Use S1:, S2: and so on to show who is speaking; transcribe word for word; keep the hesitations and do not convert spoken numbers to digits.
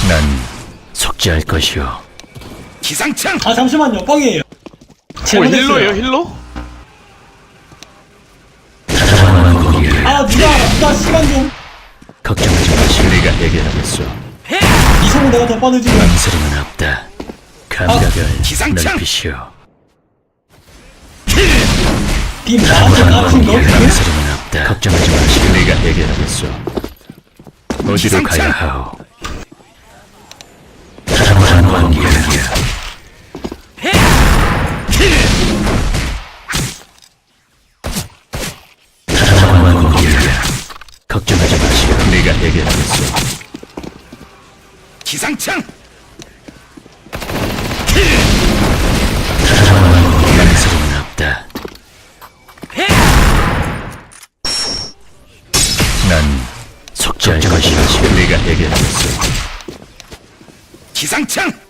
S1: 난 속죄할 것이오.
S2: 기상청.
S3: 아 잠시만요, 뻥이에요.
S4: 어,
S3: 잘못했어요.
S4: 힐러예요, 힐러?
S1: 자원한 공기를
S3: 아 누가 누가 시간 좀.
S1: 걱정하지 마시오. 내가 해결하겠소.
S3: 이성은 내가 더 빠르지.
S1: 망설임은 없다. 감각을
S2: 기상청!
S1: 넓히시오.
S3: 빔 나한테 깝친 거?
S1: 망설임은 없다. 걱정하지 마시오. 내가 해결하겠소. 어디로
S2: 기상청!
S1: 가야 하오? 자원한 공기를 자원한 공기를 걱정하지 마시오. 내가 해결하겠소.
S2: 기상청.
S1: 망설임은 없다. 난 속죄할 것이오. 내가 해결하겠소.
S2: 기상청.